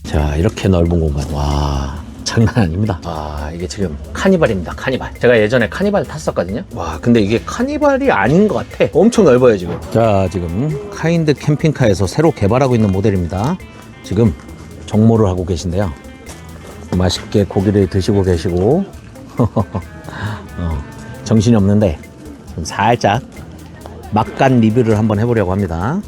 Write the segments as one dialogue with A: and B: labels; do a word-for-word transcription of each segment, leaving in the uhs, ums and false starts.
A: 자, 이렇게 넓은 공간. 와, 장난 아닙니다. 아, 이게 지금 카니발입니다. 카니발. 제가 예전에 카니발 탔었거든요. 와, 근데 이게 카니발이 아닌 것 같아. 엄청 넓어요, 지금. 자, 지금 카인드 캠핑카에서 새로 개발하고 있는 모델입니다. 지금 정모를 하고 계신데요. 맛있게 고기를 드시고 계시고 어, 정신이 없는데 좀 살짝 막간 리뷰를 한번 해보려고 합니다.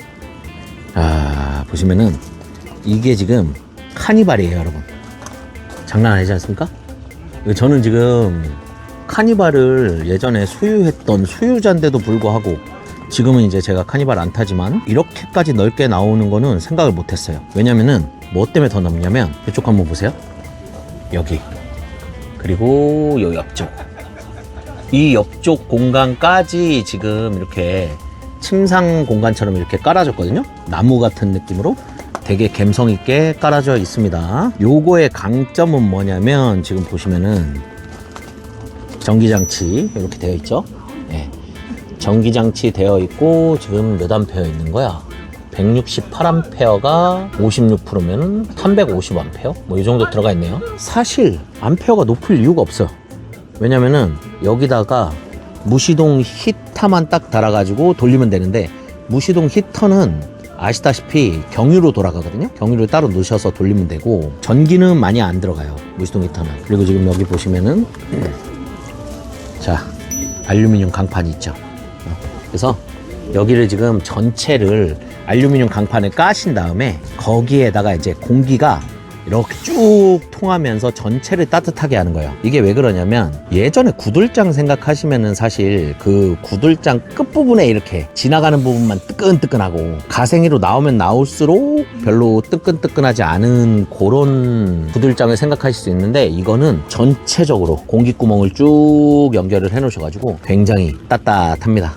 A: 아, 보시면은 이게 지금 카니발이에요, 여러분. 장난 아니지 않습니까? 저는 지금 카니발을 예전에 소유했던 소유자인데도 불구하고 지금은 이제 제가 카니발 안 타지만 이렇게까지 넓게 나오는 거는 생각을 못 했어요. 왜냐면은 뭐 때문에 더 넓냐면 이쪽 한번 보세요. 여기 그리고 요 옆쪽, 이 옆쪽 공간까지 지금 이렇게 침상 공간처럼 이렇게 깔아줬거든요. 나무 같은 느낌으로 되게 감성 있게 깔아져 있습니다. 요거의 강점은 뭐냐면 지금 보시면은 전기장치 이렇게 되어 있죠. 네. 전기장치 되어 있고 지금 몇 암페어 있는 거야? 백육십팔 암페어가 오십육 퍼센트면 삼백오십 암페어? 뭐 이 정도 들어가 있네요. 사실 암페어가 높을 이유가 없어요. 왜냐면은 여기다가 무시동 히터만 딱 달아가지고 돌리면 되는데, 무시동 히터는 아시다시피 경유로 돌아가거든요. 경유를 따로 넣으셔서 돌리면 되고 전기는 많이 안 들어가요, 무시동 히터는. 그리고 지금 여기 보시면은 자, 알루미늄 강판이 있죠. 그래서 여기를 지금 전체를 알루미늄 강판을 까신 다음에 거기에다가 이제 공기가 이렇게 쭉 통하면서 전체를 따뜻하게 하는 거예요. 이게 왜 그러냐면 예전에 구들장 생각하시면은 사실 그 구들장 끝부분에 이렇게 지나가는 부분만 뜨끈뜨끈하고 가생이로 나오면 나올수록 별로 뜨끈뜨끈하지 않은 그런 구들장을 생각하실 수 있는데, 이거는 전체적으로 공기구멍을 쭉 연결을 해 놓으셔가지고 굉장히 따뜻합니다.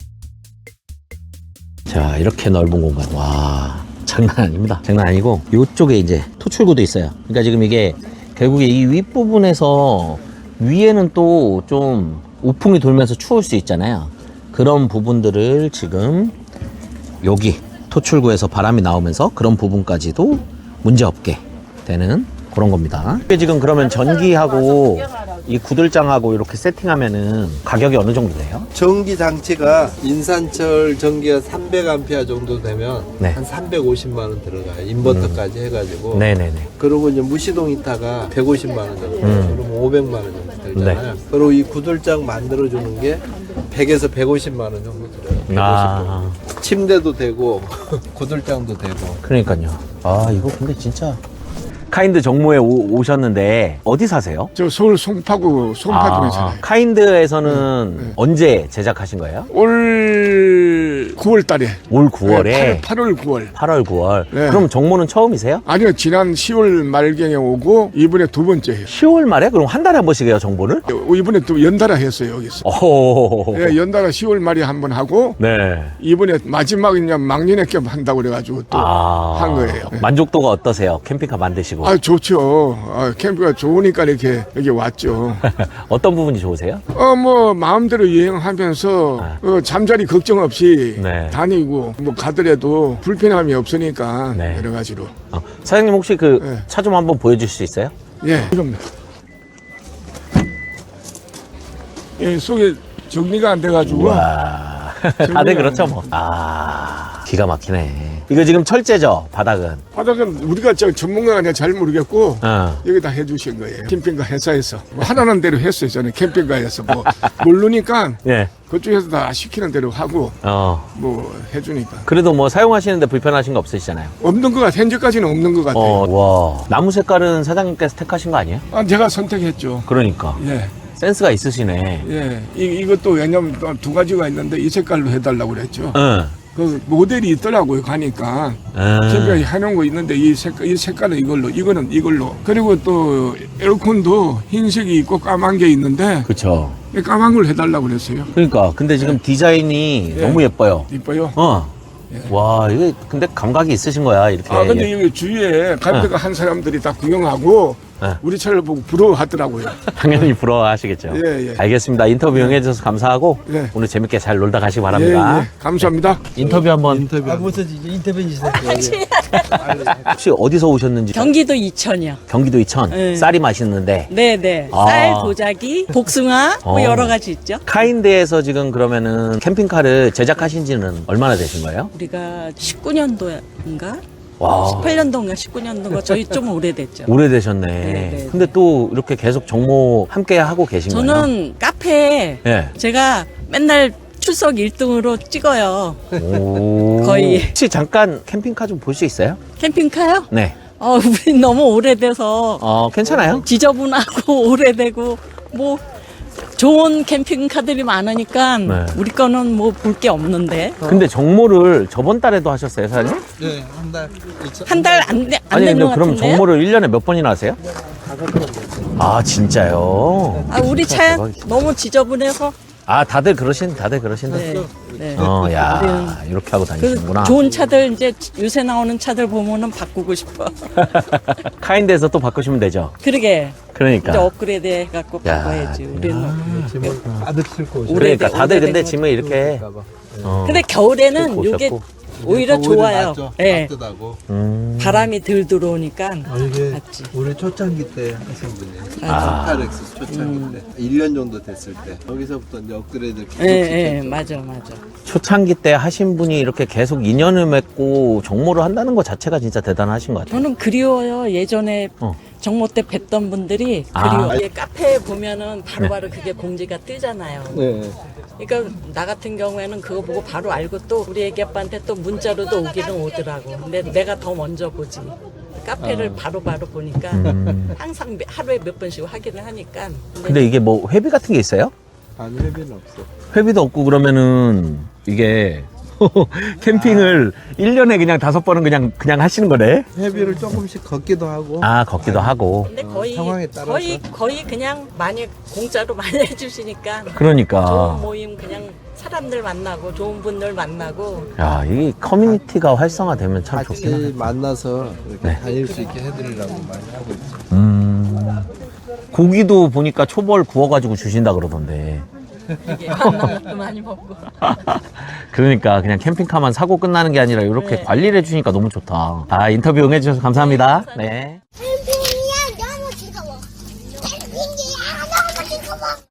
A: 자, 이렇게 넓은 공간. 와, 장난 아닙니다. 장난 아니고 이쪽에 이제 토출구도 있어요. 그러니까 지금 이게 결국에 이 윗부분에서 위에는 또 좀 우풍이 돌면서 추울 수 있잖아요. 그런 부분들을 지금 여기 토출구에서 바람이 나오면서 그런 부분까지도 문제없게 되는 그런 겁니다. 이게 지금 그러면 전기하고 이 구들장하고 이렇게 세팅하면은 가격이 어느 정도 돼요?
B: 전기 장치가 인산철 전기가 삼백 암페어 정도 되면
A: 네.
B: 한 삼백오십만 원 들어가요. 인버터까지 해가지고.
A: 네네네.
B: 그리고 이제 무시동 히터가 백오십만 원 정도.
A: 음.
B: 그러면 오백만 원 정도 들잖아요. 그리고 이 구들장 만들어주는 게 백에서 백오십만 원 정도 들어요. 백오십.
A: 아,
B: 침대도 되고 구들장도 되고.
A: 그러니까요. 아, 이거 근데 진짜 카인드 정모에 오, 오셨는데 어디 사세요?
C: 저 서울 송파구 송파동에 살아요.
A: 카인드에서는
C: 네, 네.
A: 언제 제작하신 거예요?
C: 올 구월 달에.
A: 올 구월에?
C: 네, 팔월 구월.
A: 팔월 구월.
C: 네.
A: 그럼 정모는 처음이세요?
C: 아니요, 지난 시월 말경에 오고 이번에 두 번째예요.
A: 시월 말에? 그럼 한 달에 한 번씩 해요, 정모를?
C: 이번에 또 연달아 했어요, 여기서.
A: 오.
C: 네, 연달아 시월 말에 한 번 하고
A: 네.
C: 이번에 마지막 그냥 막년에 겸 한다고 그래가지고 또 한
A: 아.
C: 거예요. 네.
A: 만족도가 어떠세요? 캠핑카 만드시고.
C: 아, 좋죠. 아, 캠프가 좋으니까 이렇게 여기 왔죠.
A: 어떤 부분이 좋으세요?
C: 어, 뭐 마음대로 여행하면서
A: 아.
C: 어, 잠자리 걱정 없이
A: 네.
C: 다니고 뭐 가더라도 불편함이 없으니까
A: 네.
C: 여러 가지로.
A: 어, 사장님 혹시 그
C: 네.
A: 차 좀 한번 보여줄 수 있어요?
C: 예, 그럼. 예, 속에 정리가 안 돼가지고.
A: 와. 다들 그렇죠 뭐. 아, 기가 막히네. 이거 지금 철제죠, 바닥은?
C: 바닥은 우리가 저 전문가가 아니라 잘 모르겠고
A: 어.
C: 여기다 해주신 거예요. 캠핑카 회사에서 뭐 하라는 대로 했어요. 저는 캠핑카에서 뭐 모르니까
A: 예.
C: 그쪽에서 다 시키는 대로 하고
A: 어.
C: 뭐 해주니까
A: 그래도 뭐 사용하시는데 불편하신 거 없으시잖아요.
C: 없는 것 같아. 현재까지는 없는 것 같아요.
A: 어, 와. 나무 색깔은 사장님께서 택하신 거 아니에요?
C: 아, 제가 선택했죠.
A: 그러니까.
C: 예,
A: 센스가 있으시네.
C: 예. 이, 이것도 왜냐면 또 두 가지가 있는데 이 색깔로 해달라고 그랬죠.
A: 응.
C: 그 모델이 있더라고요. 가니까
A: 응.
C: 제가 해놓은 거 있는데 이 색깔 이 색깔은 이걸로, 이거는 이걸로. 그리고 또 에어컨도 흰색이 있고 까만 게 있는데
A: 그쵸.
C: 이 까만 걸 해달라고 그랬어요.
A: 그러니까. 근데 지금 디자인이
C: 예.
A: 너무 예뻐요.
C: 이뻐요.
A: 어. 와, 이게 근데 감각이 있으신 거야, 이렇게.
C: 아, 근데
A: 예.
C: 여기 주위에 갈비가 한 사람들이 다 구경하고
A: 네.
C: 우리 차를 보고 부러워하더라고요.
A: 당연히 부러워하시겠죠.
C: 예, 예.
A: 알겠습니다. 인터뷰 응해주셔서 감사하고
C: 예.
A: 오늘 재밌게 잘 놀다 가시기
C: 예,
A: 바랍니다.
C: 예. 감사합니다.
A: 인터뷰 한번
B: 인터뷰. 아, 무슨 이제 인터뷰 주세요.
A: 혹시 어디서 오셨는지
D: 경기도 이천이요.
A: 경기도 이천
D: 네.
A: 쌀이 맛있는데
D: 네네.
A: 아.
D: 쌀, 도자기, 복숭아 뭐
A: 어.
D: 여러 가지 있죠.
A: 카인드에서 지금 그러면은 캠핑카를 제작하신 지는 얼마나 되신 거예요?
D: 우리가 십구 년도인가?
A: 와
D: 십팔 년도인가 십구 년도인가 저희 좀 오래됐죠.
A: 오래되셨네.
D: 네.
A: 근데 또 이렇게 계속 정모 함께 하고 계신 거예요?
D: 저는 카페에
A: 예.
D: 제가 맨날 출석 일 등으로 찍어요.
A: 오.
D: 거의.
A: 혹시 잠깐 캠핑카 좀 볼 수 있어요?
D: 캠핑카요?
A: 네.
D: 어, 우리 너무 오래돼서
A: 어 괜찮아요?
D: 지저분하고 오래되고 뭐 좋은 캠핑카들이 많으니까
A: 네.
D: 우리 거는 뭐 볼 게 없는데
A: 근데 정모를 저번 달에도 하셨어요, 사장님?
B: 네, 한 달.
D: 한 달 안 안
A: 아니
D: 되는
A: 근데
D: 것
A: 그럼
D: 같은데요?
A: 정모를 일 년에 몇 번이나 하세요? 아 진짜요?
D: 아, 우리 차
A: 대박이다.
D: 너무 지저분해서
A: 아 다들 그러신 다들 그러신다.
D: 네, 네.
A: 어야 이렇게 하고
D: 그
A: 다니시는구나.
D: 좋은 차들 이제 요새 나오는 차들 보면은 바꾸고 싶어.
A: 카인드에서 또 바꾸시면 되죠.
D: 그러게
A: 그러니까.
D: 이제 업그레이드 해갖고
A: 야,
D: 바꿔야지. 우리는.
B: 짐을 가득 싣고 오셔.
D: 오래-
A: 그러니까 다들 근데
D: 오래된
A: 짐을 이렇게.
B: 봐.
A: 어.
D: 근데 겨울에는
A: 싣고
D: 이게
A: 오셨고.
D: 오히려 좋아요. 예.
B: 따뜻하고.
A: 음.
D: 바람이 덜 들어오니까
B: 아, 이게
D: 맞지.
B: 우리 초창기 때 하신 분이에요.
A: 아.
B: 스타렉스 초창기 때. 일 년 정도 됐을 때. 여기서부터 이제 업그레이드 계속
D: 예, 예,
B: 시켰죠.
D: 맞아, 맞아.
A: 초창기 때 하신 분이 이렇게 계속 인연을 맺고 정모를 한다는 것 자체가 진짜 대단하신 것 같아요.
D: 저는 그리워요. 예전에
A: 어.
D: 정모 때 뵀던 분들이
A: 아.
D: 그리워. 이게 카페에 보면은 바로바로 그게 공지가 뜨잖아요.
B: 네.
D: 그러니까 나 같은 경우에는 그거 보고 바로 알고 또 우리 애기 아빠한테 또 문자로도 오기는 오더라고. 근데 내가 더 먼저 보지. 카페를 바로바로 보니까
A: 음.
D: 항상 매- 하루에 몇 번씩 확인을 하니까.
A: 근데 이게 뭐 회비 같은 게 있어요?
B: 아니, 회비는 없어.
A: 회비도 없고 그러면은 이게 캠핑을 일 년에 그냥 다섯 번은 그냥 그냥 하시는 거네?
B: 회비를 조금씩 걷기도 하고.
A: 아 걷기도 하고.
D: 근데
B: 어,
D: 거의
B: 상황에 따라서.
D: 거의 거의 그냥 많이 공짜로 많이 해주시니까 좋은
A: 그러니까
D: 모임 그냥 사람들 만나고 좋은 분들 만나고
A: 야 이 커뮤니티가 활성화되면 참
B: 같이
A: 좋긴 하네.
B: 만나서 이렇게
A: 네.
B: 다닐 수 있게 해드리려고 많이 하고 있죠.
A: 음 고기도 보니까 초벌 구워가지고 주신다 그러던데.
D: 이게 만난 것도 많이 먹고.
A: 그러니까 그냥 캠핑카만 사고 끝나는 게 아니라 이렇게
D: 네.
A: 관리를 해주니까 너무 좋다. 아 인터뷰 응해주셔서 감사합니다. 네.
D: 네,